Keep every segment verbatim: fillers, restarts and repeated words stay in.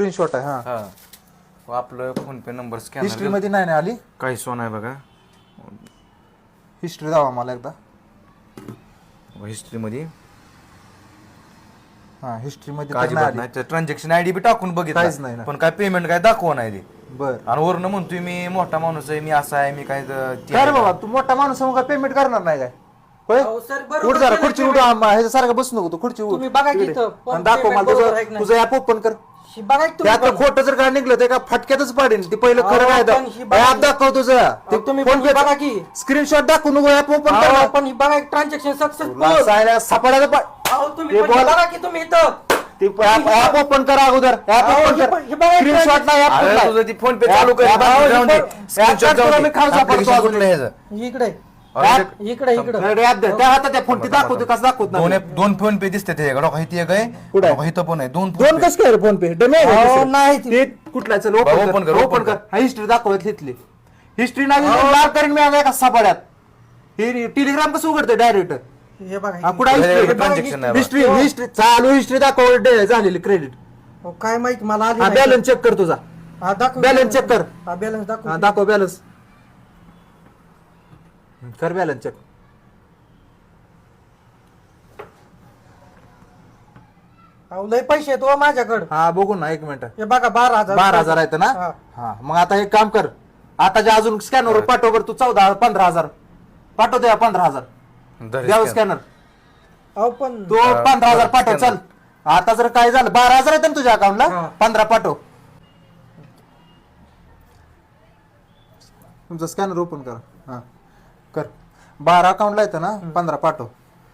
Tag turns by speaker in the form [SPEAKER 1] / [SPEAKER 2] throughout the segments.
[SPEAKER 1] Screenshot आहे. हा
[SPEAKER 2] हा व आपलं PhonePe number
[SPEAKER 1] history
[SPEAKER 2] scanner
[SPEAKER 1] मध्ये नाही ना आली.
[SPEAKER 2] काही सोन आहे बघा
[SPEAKER 1] हिस्ट्री दावा मला एकदा.
[SPEAKER 2] हिस्ट्री मध्ये
[SPEAKER 1] हा हिस्ट्री मध्ये
[SPEAKER 2] काय
[SPEAKER 1] तर नाही
[SPEAKER 2] नाही
[SPEAKER 1] आली.
[SPEAKER 2] ट्रान्झॅक्शन आयडी बी टाकून
[SPEAKER 1] काहीच नाही
[SPEAKER 2] बघितलं
[SPEAKER 1] ना.
[SPEAKER 2] पण काय पेमेंट काय दाखवा नाही ते.
[SPEAKER 1] बर
[SPEAKER 2] आणि वरनं म्हणतोय मी मोठा माणूस आहे मी असा आहे मी काय ते-
[SPEAKER 1] काय रे बाबा तू मोठा माणूस आहे, मग काय पेमेंट करणार नाही काय होय.
[SPEAKER 3] अहो सर बरोबर
[SPEAKER 1] उठ जरा
[SPEAKER 3] केलं
[SPEAKER 1] खुर्ची
[SPEAKER 3] तुम्ही.
[SPEAKER 1] उठ आम्हा ह्याच्यासारखं बसू नको तू खुर्ची उठ
[SPEAKER 3] तुम्ही बघा की
[SPEAKER 1] इकडे.
[SPEAKER 3] इथं, पण
[SPEAKER 1] आणि दाखव
[SPEAKER 3] payment
[SPEAKER 1] मला
[SPEAKER 3] बरोबर
[SPEAKER 1] तुझं
[SPEAKER 3] आहे की नाही?
[SPEAKER 1] तुझं ऍप ओपन कर.
[SPEAKER 3] ही बघा की तुम्ही
[SPEAKER 1] त्यात
[SPEAKER 3] पण.
[SPEAKER 1] खोटं जर काय निघलं ते का फटक्यातच पाडेन ते पहिलं
[SPEAKER 3] अहो,
[SPEAKER 1] खरं काय
[SPEAKER 3] पण ही बघा
[SPEAKER 1] ऍप
[SPEAKER 3] की-
[SPEAKER 1] दाखव तुझं ते
[SPEAKER 3] तुम्ही
[SPEAKER 1] फोन
[SPEAKER 3] पण ही बघा की.
[SPEAKER 1] स्क्रीनशॉट दाखवू नको ऍप ओपन
[SPEAKER 3] अहो,
[SPEAKER 1] कर.
[SPEAKER 3] पण ही बघा ट्रान्झॅक्शन सक्सेसफुल.
[SPEAKER 1] सापडायला
[SPEAKER 3] अहो तुम्ही
[SPEAKER 1] हे
[SPEAKER 3] पण
[SPEAKER 1] बोला.
[SPEAKER 3] ही बघा की तुम्ही इथं
[SPEAKER 1] ते ऍप ओपन कर अगोदर ऍप
[SPEAKER 3] अहो,
[SPEAKER 1] ओपन
[SPEAKER 3] हे
[SPEAKER 1] कर.
[SPEAKER 3] पण- हे बघा
[SPEAKER 1] स्क्रीनशॉट नाही
[SPEAKER 2] अरे
[SPEAKER 1] ऍप
[SPEAKER 2] तुझं ती फोन पे चालू कर
[SPEAKER 1] ऍप-
[SPEAKER 2] बाकी
[SPEAKER 1] ऍप-
[SPEAKER 2] जाऊन दे.
[SPEAKER 1] ऍप-
[SPEAKER 2] Screenshot
[SPEAKER 1] ऍप-
[SPEAKER 2] जाऊन
[SPEAKER 1] ऍप-
[SPEAKER 2] दे.
[SPEAKER 1] मी खाऊ सापडतो
[SPEAKER 2] Application
[SPEAKER 1] अजून.
[SPEAKER 2] कुठलं ह्याचं?
[SPEAKER 3] इकडे
[SPEAKER 2] अरे
[SPEAKER 1] ऍप-
[SPEAKER 2] ते-
[SPEAKER 3] इकडे इकडे
[SPEAKER 1] ऍप दे. त्या हातात त्या फोन ती दाखवतो कसं दाखवत
[SPEAKER 2] दोन
[SPEAKER 1] नाही.
[SPEAKER 2] दोन फोन पे दिसते ते डोका इथे एक आहे
[SPEAKER 1] कुठं आहे?
[SPEAKER 2] डोका इथं पण आहे दोन
[SPEAKER 1] दोन
[SPEAKER 2] phone pay.
[SPEAKER 1] कसं काय फोन पे डमे
[SPEAKER 3] अहो, नाही
[SPEAKER 1] ते कुठला चल
[SPEAKER 2] बरं,
[SPEAKER 1] ओपन
[SPEAKER 2] open
[SPEAKER 1] कर
[SPEAKER 2] कर,
[SPEAKER 1] ओपन
[SPEAKER 2] open
[SPEAKER 1] कर.
[SPEAKER 2] कर.
[SPEAKER 1] हा हिस्ट्री दाखवत घेतली हिस्ट्री नाही लाल करीन मी आता एका सापड्यात. हे टेलिग्राम कसं उघडतं डायरेक्ट.
[SPEAKER 3] हे बघा
[SPEAKER 1] हा
[SPEAKER 3] हे-
[SPEAKER 1] कुठं
[SPEAKER 2] हे- हे
[SPEAKER 1] हिस्ट्री
[SPEAKER 2] transaction नाही बघा.
[SPEAKER 1] हिस्ट्री हिस्ट्री चालू हिस्ट्री दाखव डे- झालेली क्रेडिट.
[SPEAKER 3] अहो, काय माहिती मला आली
[SPEAKER 1] हा
[SPEAKER 3] नाही.
[SPEAKER 1] बॅलन्स चेक कर तुझा.
[SPEAKER 3] हा, दाखव
[SPEAKER 1] balance check कर.
[SPEAKER 3] हा बॅलन्स दाखव
[SPEAKER 1] हा दाखव बॅलन्स कर बॅलन्स चेक.
[SPEAKER 3] अहो लय पैसे आहेत हो माझ्याकडे.
[SPEAKER 1] हा बघू ना एक मिनिट.
[SPEAKER 3] हे बघा बारा हजार
[SPEAKER 1] बारा हजार आहेत ना.
[SPEAKER 3] हा.
[SPEAKER 1] हा मग आता एक काम कर आता जे अजून स्कॅनर पाठव बरं तू चौदा पंधरा हजार पाठव द्या पंधरा हजार
[SPEAKER 2] धर
[SPEAKER 1] द्यावं
[SPEAKER 2] scan.
[SPEAKER 1] स्कॅनर.
[SPEAKER 3] अहो पण
[SPEAKER 1] तो
[SPEAKER 2] हा,
[SPEAKER 1] पंधरा हजार
[SPEAKER 2] बरं,
[SPEAKER 1] पाठव
[SPEAKER 2] scanner.
[SPEAKER 1] चल. आता जर काय झालं बारा हजार आहेत ना तुझ्या अकाउंटला
[SPEAKER 3] हा.
[SPEAKER 1] पंधरा पाठव. तुमचा स्कॅनर ओपन कर. हा कर बारा अकाउंटला येतं ना पंधरा पाठव.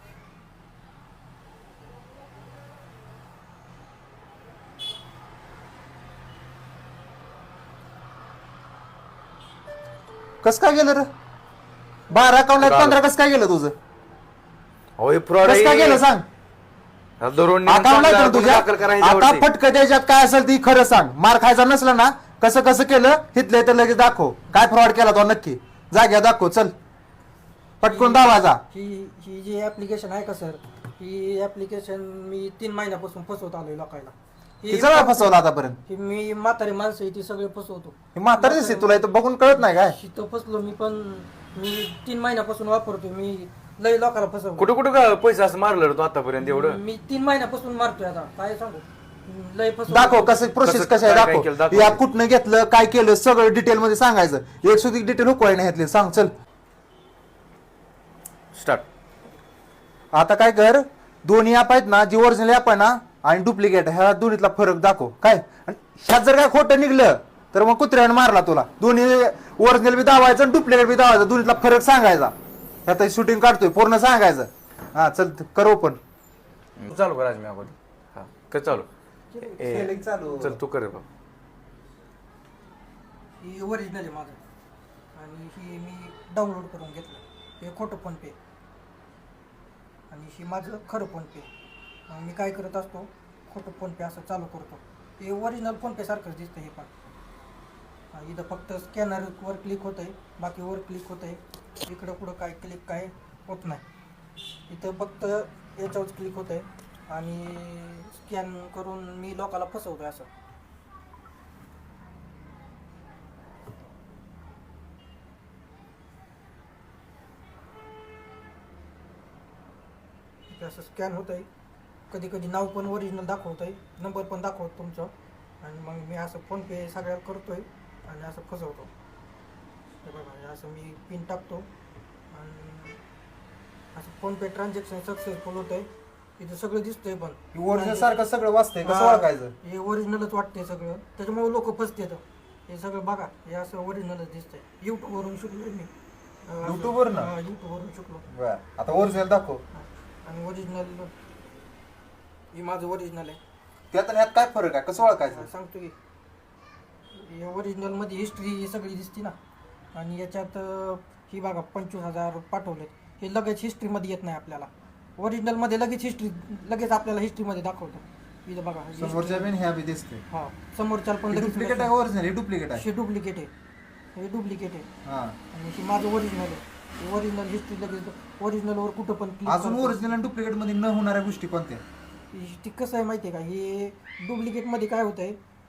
[SPEAKER 1] कस काय गेलं रे बारा अकाउंटला
[SPEAKER 2] Fraud.
[SPEAKER 1] पंधरा कस काय गेलं तुझं
[SPEAKER 2] अहो, हे fraud
[SPEAKER 1] कस काय
[SPEAKER 2] आहे.
[SPEAKER 1] गेलं सांग.
[SPEAKER 2] हा, दररोज नेऊन
[SPEAKER 1] अकाउंटला
[SPEAKER 2] चांगला
[SPEAKER 1] येतं तुझ्या
[SPEAKER 2] दाखल करायचं
[SPEAKER 1] आता
[SPEAKER 2] यावरती.
[SPEAKER 1] फटकं त्याच्यात काय असेल ती खरं सांग. मार खायचा नसला ना कसं कसं केलं हिथले तर लगेच दाखव काय फ्रॉड केला तो नक्की जाग्या दाखव चल पटकून दावाजा.
[SPEAKER 3] ही ही जी ऍप्लिकेशन आहे का सर ही ऍप्लिकेशन मी तीन महिन्यापासून फसवत आलोय लोकांना. ही
[SPEAKER 1] किती वेळा फसवला आतापर्यंत.
[SPEAKER 3] ही मी म्हातारी माणसं आहे ती सगळे फसवतो.
[SPEAKER 1] हे म्हातारी दिसते तुला इथं बघून कळत नाही काय.
[SPEAKER 3] तिथं फसलो मी पण मी तीन महिन्यापासून वापरतो मी लय लोकांना फसवतो.
[SPEAKER 2] कुठं कुठं का पैसा असं मारलं रे तू आतापर्यंत एवढं
[SPEAKER 3] मी तीन महिन्यापासून मारतोय आता काय सांगू लय फसवतो.
[SPEAKER 1] दाखव कसं प्रोसेस
[SPEAKER 2] कसं-
[SPEAKER 1] कसं आहे
[SPEAKER 2] काय- काय
[SPEAKER 1] दाखव.
[SPEAKER 2] केलं दाखव.
[SPEAKER 1] या कुठनं घेतलं काय केलं सगळं डिटेल मध्ये सांगायचं. एक सुधी डिटेल हुकवाय नाही घेतली सांग चल.
[SPEAKER 2] स्टार्ट
[SPEAKER 1] आता काय कर दोन्ही ऍप आहेत ना जी ओरिजिनल ऍप आहे ना आणि डुप्लिकेट ह्या दोन्हीतला फरक दाखव काय. आणि ह्यात जर काय खोटं निघलं तर मग कुत्र्याने मारला तुला. दोन्ही ओरिजिनल बी दावायचं आणि डुप्लिकेट बी दावायचं दोन्हीतला फरक सांगायचा. ह्यात शूटिंग काढतोय पूर्ण सांगायचं. हा चल कर ओपन.
[SPEAKER 2] चालू कर आज मी अगोदर हा कर चालू ए,
[SPEAKER 1] Selling चालू.
[SPEAKER 2] चल तू कर रे बाबा.
[SPEAKER 3] ही ओरिजिनल आहे माझं आणि ही मी डाउनलोड करून घेतलं हे खोटं फोन पे आणि ही माझं खरं फोन पे. मग मी काय करत असतो खोटं फोन पे असं चालू करतो. हे ओरिजिनल फोन पे सारखंच दिसतं हे पण. हा, इथं फक्त स्कॅनरवर क्लिक होत आहे बाकी वर क्लिक होत आहे इकडं कुठं काय क्लिक काय होत नाही. इथं फक्त याच्यावर क्लिक होत आहे आणि स्कॅन करून मी लोकाला फसवतोय असं. इथे असं स्कॅन होत आहे कधी कधी नाव पण ओरिजिनल दाखवत आहे नंबर पण दाखवतो तुमचं आणि मग मी असं फोन पे सगळ्यात करतोय आणि असं फसवतो. हे बघा हे असं मी पिन टाकतो आणि असं फोन पे ट्रान्झॅक्शन सक्सेसफुल होत आहे. इथं सगळं दिसतंय पण
[SPEAKER 1] ओरिजिनल सारखं सगळं वाचतंय कसं
[SPEAKER 3] हा,
[SPEAKER 1] ओळखायचं.
[SPEAKER 3] हे ओरिजिनलच वाटतंय सगळं त्याच्यामुळे लोक फसतात. हे सगळं बघा हे असं ओरिजिनलच दिसतंय. युट्यूब वरून शिकलो मी. अं, असं-
[SPEAKER 1] YouTube वरनं?
[SPEAKER 3] हा, YouTube वरून शिकलो.
[SPEAKER 1] बरं आता ओरिजिनल दाखव.
[SPEAKER 3] आणि ओरिजिनल हे माझं ओरिजिनल आहे.
[SPEAKER 1] त्यात आणि ह्यात काय फरक आहे कसं ओळखायचं.
[SPEAKER 3] सांगतो की हे ओरिजिनल मध्ये हिस्ट्री सगळी दिसते ना आणि याच्यात अं, ही बघा पंचवीस हजार पाठवलेत हे लगेच हिस्ट्रीमध्ये येत नाही आपल्याला. ओरिजिनल मध्ये लगेच हिस्ट्री लगेच आपल्याला हिस्ट्रीमध्ये दाखवतं. इथं बघा
[SPEAKER 1] समोरच्या बिन ह्या बी दिसते.
[SPEAKER 3] हा समोरच्या पण लगेच
[SPEAKER 1] डुप्लिकेट आहे ओरिजिनल हे डुप्लिकेट आहे.
[SPEAKER 3] हे डुप्लिकेट आहे हे डुप्लिकेट आहे
[SPEAKER 1] हा
[SPEAKER 3] आणि हे माझं ओरिजिनल आहे. ओरिजिनल हिस्ट्री लगेच ओरिजिनलवर कुठं पण click
[SPEAKER 1] अजून
[SPEAKER 3] करतो.
[SPEAKER 1] ओरिजिनल आणि डुप्लिकेट मध्ये न होणाऱ्या गोष्टी कोणत्या.
[SPEAKER 3] ती कसं आहे माहिती आहे का हे डुप्लिकेटमध्ये काय होतं आहे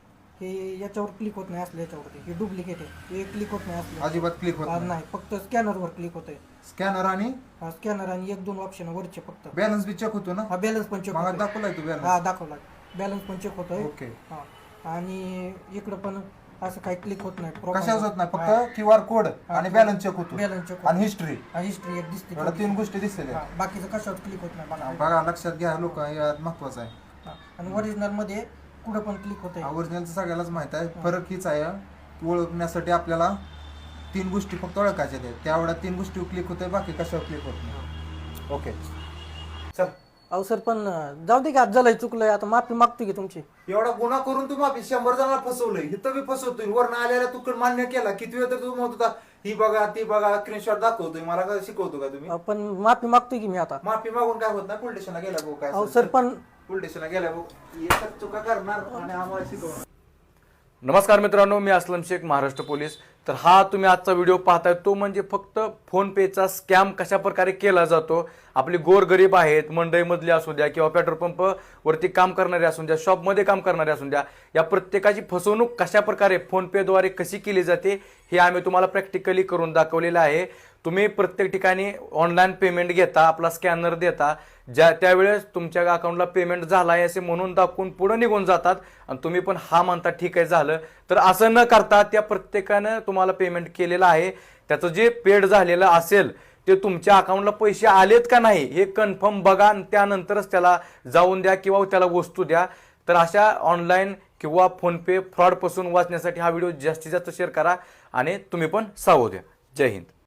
[SPEAKER 3] हे याच्यावर क्लिक होत नाही असलं याच्यावरती, हे डुप्लिकेट आहे, हे क्लिक होत नाही असलं
[SPEAKER 1] अजिबात क्लिक होत
[SPEAKER 3] हा,
[SPEAKER 1] नाही.
[SPEAKER 3] नाही फक्त स्कॅनरवर क्लिक होत आहे.
[SPEAKER 1] स्कॅनर आणि
[SPEAKER 3] हा स्कॅनर आणि एक दोन ऑप्शन वरचे फक्त.
[SPEAKER 1] बॅलन्स बी चेक होतो ना?
[SPEAKER 3] हा बॅलन्स पण चेक
[SPEAKER 1] मला
[SPEAKER 3] होतोय.
[SPEAKER 1] दाखवलाय तू
[SPEAKER 3] हा
[SPEAKER 1] बॅलन्स.
[SPEAKER 3] दाखवला, बॅलन्स पण चेक होतोय.
[SPEAKER 1] ओके.
[SPEAKER 3] हा आणि इकडं पण असं काही क्लिक होत नाही.
[SPEAKER 1] कशाच होत नाही, फक्त क्यू आर कोड आणि बॅलन्स चेक होतो
[SPEAKER 3] बॅलन्स चेक
[SPEAKER 1] आणि हिस्ट्री,
[SPEAKER 3] हिस्ट्री एक दिसते.
[SPEAKER 1] एवढ्या तीन गोष्टी दिसतील.
[SPEAKER 3] हा, बाकीचं कशावर क्लिक होत नाही बघा.
[SPEAKER 1] बघा लक्षात घ्या लोक, यात महत्वाचं आहे.
[SPEAKER 3] हा, आणि ओरिजिनल मध्ये कुठं पण क्लिक होतंय.
[SPEAKER 1] ओरिजिनलचं सगळ्यालाच माहित आहे. फरक हीच आहे, ओळखण्यासाठी आपल्याला तीन गोष्टी फक्त ओळखायच्या आहेत. त्यावेळेला तीन गोष्टी क्लिक होते, बाकी कशावर क्लिक होत नाही. ओके चल.
[SPEAKER 3] अहो सर पण जाऊ दे की, आज झालंय चुकलंय, आता माफी मागतो की तुमची.
[SPEAKER 1] एवढा गुन्हा करून तू माफी शंभर जणांना फसवलंय, इथं बी फसवतोय. वरनं आल्याला तू मान्य केला. किती वेळ तर तू म्हणत होता ही बघा ती बघा, स्क्रीनशॉट दाखवतोय मला, का शिकवतो का तुम्ही?
[SPEAKER 3] अहो, पण माफी मागतोय की मी आता.
[SPEAKER 1] माफी मागून काय होत नाही, पोलीस स्टेशनला गेला भाऊ. काय
[SPEAKER 3] अहो सर पण
[SPEAKER 1] पोलीस स्टेशनला गेला भाऊ, एकच चुका करणार आणि आम्हाला शिकवणार.
[SPEAKER 2] नमस्कार मित्रांनो, मी असलम शेख, महाराष्ट्र पोलीस. तर हा तुम्ही आजचा व्हिडिओ पाहताय तो म्हणजे फक्त फोनपेचा स्कॅम कशा प्रकारे केला जातो. आपले गोरगरीब आहेत, मंडईमधले असू द्या किंवा पेट्रोल पंप वरती काम करणारे असू द्या, शॉपमध्ये काम करणारे असू द्या, या प्रत्येकाची फसवणूक कशा प्रकारे फोनपेद्वारे कशी केली जाते हे आम्ही तुम्हाला प्रॅक्टिकली करून दाखवलेलं आहे. तुम्ही प्रत्येक ठिकाणी ऑनलाईन पेमेंट घेता, आपला स्कॅनर देता, ज्या त्यावेळेस तुमच्या अकाउंटला पेमेंट झाला आहे असे म्हणून दाखवून पुढे निघून जातात आणि तुम्ही पण हा म्हणता ठीक आहे झालं. तर असं न करता त्या प्रत्येकानं तुम्हाला पेमेंट केलेलं आहे, त्याचं जे पेड झालेलं असेल ते तुमच्या अकाउंटला पैसे आलेत का नाही हे कन्फर्म बघा आणि त्यानंतरच त्याला जाऊन द्या किंवा त्याला वस्तू द्या. तर अशा ऑनलाईन किंवा फोनपे फ्रॉडपासून वाचण्यासाठी हा व्हिडिओ जास्तीत जास्त शेअर करा आणि तुम्ही पण सावध द्या. जय हिंद.